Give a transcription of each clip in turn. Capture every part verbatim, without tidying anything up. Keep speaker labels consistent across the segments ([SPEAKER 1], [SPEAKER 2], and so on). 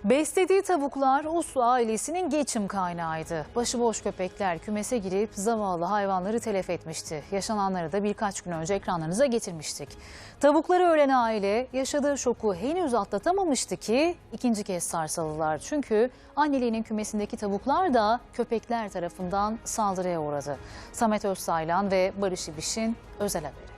[SPEAKER 1] Beslediği tavuklar Uslu ailesinin geçim kaynağıydı. Başıboş köpekler kümese girip zavallı hayvanları telef etmişti. Yaşananları da birkaç gün önce ekranlarınıza getirmiştik. Tavukları ölen aile yaşadığı şoku henüz atlatamamıştı ki ikinci kez sarsıldılar. Çünkü anneliğinin kümesindeki tavuklar da köpekler tarafından saldırıya uğradı. Samet Özsaylan ve Barış İbiş'in özel haberi.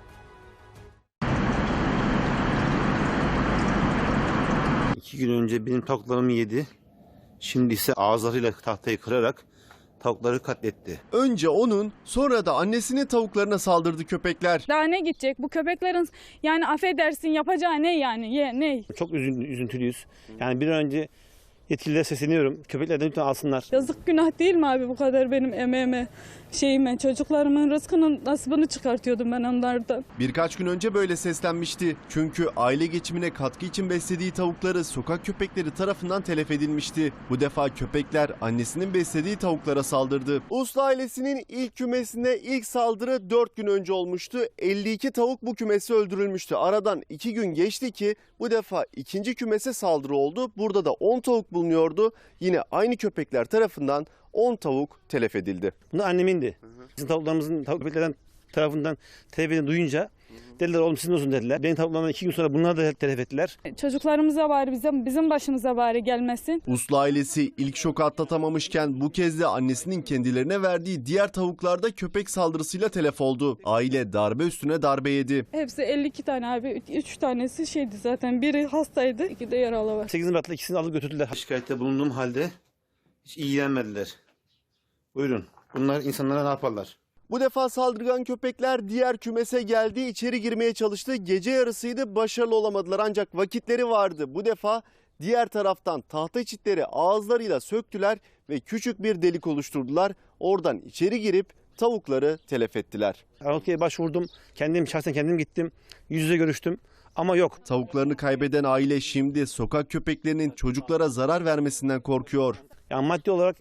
[SPEAKER 2] İki gün önce benim tavuklarımı yedi. Şimdi ise ağızlarıyla tahtayı kırarak tavukları katletti.
[SPEAKER 3] Önce onun, sonra da annesinin tavuklarına saldırdı köpekler.
[SPEAKER 4] Daha ne gidecek? Bu köpeklerin yani affedersin yapacağı ne yani? Ye, ne?
[SPEAKER 2] Çok üzün, üzüntülüyüz. Yani bir an önce yetkililere sesleniyorum. Köpeklerden lütfen alsınlar.
[SPEAKER 4] Yazık günah değil mi abi bu kadar benim emeğime, şeyime, çocuklarımın rızkının nasibini çıkartıyordum ben onlardan.
[SPEAKER 3] Birkaç gün önce böyle seslenmişti. Çünkü aile geçimine katkı için beslediği tavukları sokak köpekleri tarafından telef edilmişti. Bu defa köpekler annesinin beslediği tavuklara saldırdı. Uslu ailesinin ilk kümesine ilk saldırı dört gün önce olmuştu. elli iki tavuk bu kümesi öldürülmüştü. Aradan iki gün geçti ki bu defa ikinci kümese saldırı oldu. Burada da on tavuk bulunuyordu. Yine aynı köpekler tarafından on tavuk telef edildi.
[SPEAKER 2] Bunu annemindi. Bizim tavuklarımızın tavuk köpeklerden tarafından telef edildiğini duyunca dediler oğlum sizin olsun dediler. Benim tavuklarımdan iki gün sonra bunlar da telef ettiler.
[SPEAKER 4] Çocuklarımıza bari bizim, bizim başımıza bari gelmesin.
[SPEAKER 3] Uslu ailesi ilk şoku atlatamamışken bu kez de annesinin kendilerine verdiği diğer tavuklar da köpek saldırısıyla telef oldu. Aile darbe üstüne darbe yedi.
[SPEAKER 4] Hepsi elli iki tane abi. üç tanesi şeydi zaten. Biri hastaydı, iki de yaralı var.
[SPEAKER 2] sekiz Mart'ta ikisini alıp götürdüler. Şikayette bulunduğum halde hiç ilgilenmediler. Buyurun. Bunlar insanlara ne yaparlar?
[SPEAKER 3] Bu defa saldırgan köpekler diğer kümese geldi, içeri girmeye çalıştı. Gece yarısıydı, başarılı olamadılar ancak vakitleri vardı. Bu defa diğer taraftan tahta çitleri ağızlarıyla söktüler ve küçük bir delik oluşturdular. Oradan içeri girip tavukları telef ettiler.
[SPEAKER 2] Arnavutlu'ya başvurdum. Kendim şahsen kendim gittim. Yüz yüze görüştüm. Ama yok.
[SPEAKER 3] Tavuklarını kaybeden aile şimdi sokak köpeklerinin çocuklara zarar vermesinden korkuyor.
[SPEAKER 2] Yani maddi olarak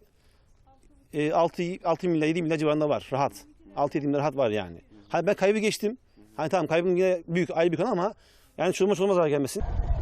[SPEAKER 2] e, altı milyar yedi milyar civarında var rahat. altı yedi milyar rahat var yani. Hani ben kaybı geçtim. Hani tamam kaybım yine büyük, ayrı bir konu ama yani çoluğuma çoluğuma zarar gelmesin.